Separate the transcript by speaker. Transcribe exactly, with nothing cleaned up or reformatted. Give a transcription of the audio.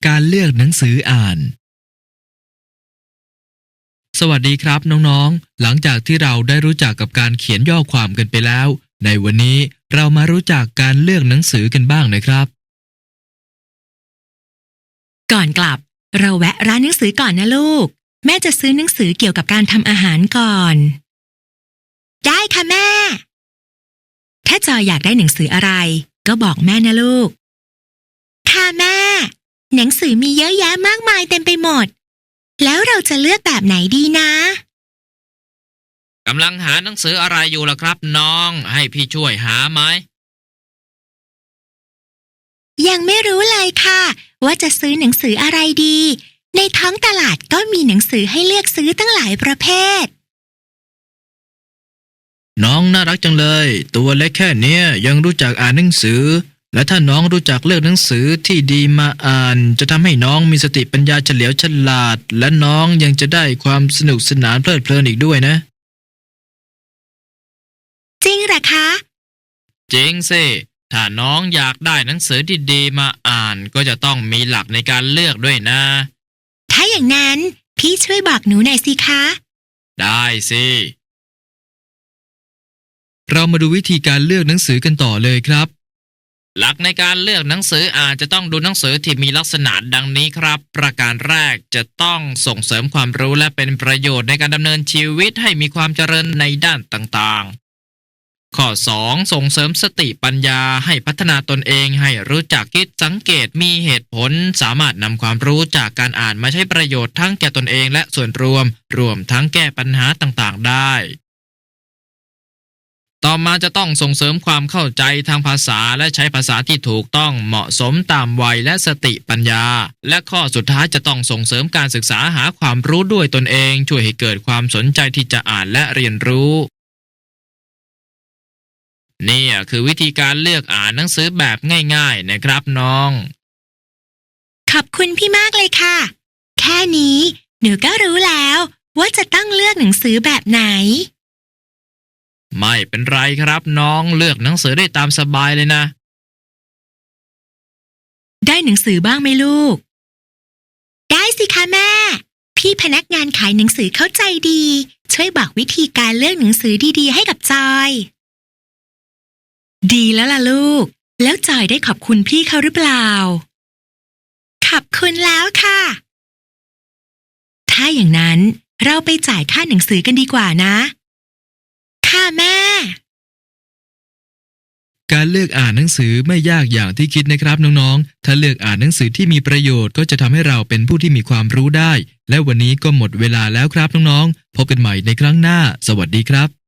Speaker 1: การเลือกหนังสืออ่านสวัสดีครับน้องๆหลังจากที่เราได้รู้จักกับการเขียนย่อความกันไปแล้วในวันนี้เรามารู้จักการเลือกหนังสือกันบ้างนะครับ
Speaker 2: ก่อนกลับเราแวะร้านหนังสือก่อนนะลูกแม่จะซื้อหนังสือเกี่ยวกับการทำอาหารก่อนได้ค่ะแม่ถ้าจอยอยากได้หนังสืออะไรก็บอกแม่นะลูกค่ะแม่หนังสือมีเยอะแยะมากมายเต็มไปหมดแล้วเราจะเลือกแบบไหนดีนะ
Speaker 3: กำลังหาหนังสืออะไรอยู่ล่ะครับน้องให้พี่ช่วยหาไหม
Speaker 2: ยังไม่รู้เลยค่ะว่าจะซื้อหนังสืออะไรดีในท้องตลาดก็มีหนังสือให้เลือกซื้อตั้งหลายประเภท
Speaker 1: น้องน่ารักจังเลยตัวเล็กแค่เนี้ยยังรู้จักอ่านหนังสือและถ้าน้องรู้จักเลือกหนังสือที่ดีมาอ่านจะทำให้น้องมีสติปัญญาเฉลียวฉลาดและน้องยังจะได้ความสนุกสนานเพลิดเพลินอีกด้วยนะ
Speaker 2: จริงเหรอคะ
Speaker 3: จริงสิถ้าน้องอยากได้หนังสือที่ดีมาอ่านก็จะต้องมีหลักในการเลือกด้วยนะ
Speaker 2: ถ้าอย่างนั้นพี่ช่วยบอกหนูหน่อยสิคะ
Speaker 3: ได้สิ
Speaker 1: เรามาดูวิธีการเลือกหนังสือกันต่อเลยครับ
Speaker 3: หลักในการเลือกหนังสืออ่านจะต้องดูหนังสือที่มีลักษณะดังนี้ครับประการแรกจะต้องส่งเสริมความรู้และเป็นประโยชน์ในการดำเนินชีวิตให้มีความเจริญในด้านต่างๆข้อสองส่งเสริมสติปัญญาให้พัฒนาตนเองให้รู้จักคิดสังเกตมีเหตุผลสามารถนำความรู้จากการอ่านมาใช้ประโยชน์ทั้งแก่ตนเองและส่วนรวมรวมทั้งแก้ปัญหาต่างๆได้ต่อมาจะต้องส่งเสริมความเข้าใจทางภาษาและใช้ภาษาที่ถูกต้องเหมาะสมตามวัยและสติปัญญาและข้อสุดท้ายจะต้องส่งเสริมการศึกษาหาความรู้ด้วยตนเองช่วยให้เกิดความสนใจที่จะอ่านและเรียนรู้นี่คือวิธีการเลือกอ่านหนังสือแบบง่ายๆนะครับน้อง
Speaker 2: ขอบคุณพี่มากเลยค่ะแค่นี้หนูก็รู้แล้วว่าจะต้องเลือกหนังสือแบบไหน
Speaker 3: ไม่เป็นไรครับน้องเลือกหนังสือได้ตามสบายเลยนะ
Speaker 2: ได้หนังสือบ้างไหมลูกได้สิคะแม่พี่พนักงานขายหนังสือเข้าใจดีช่วยบอกวิธีการเลือกหนังสือดีๆให้กับจอยดีแล้วล่ะลูกแล้วจอยได้ขอบคุณพี่เขาหรือเปล่าขอบคุณแล้วค่ะถ้าอย่างนั้นเราไปจ่ายค่าหนังสือกันดีกว่านะค่ะแม่
Speaker 1: การเลือกอ่านหนังสือไม่ยากอย่างที่คิดนะครับน้องๆถ้าเลือกอ่านหนังสือที่มีประโยชน์ก็จะทำให้เราเป็นผู้ที่มีความรู้ได้และวันนี้ก็หมดเวลาแล้วครับน้องๆพบกันใหม่ในครั้งหน้าสวัสดีครับ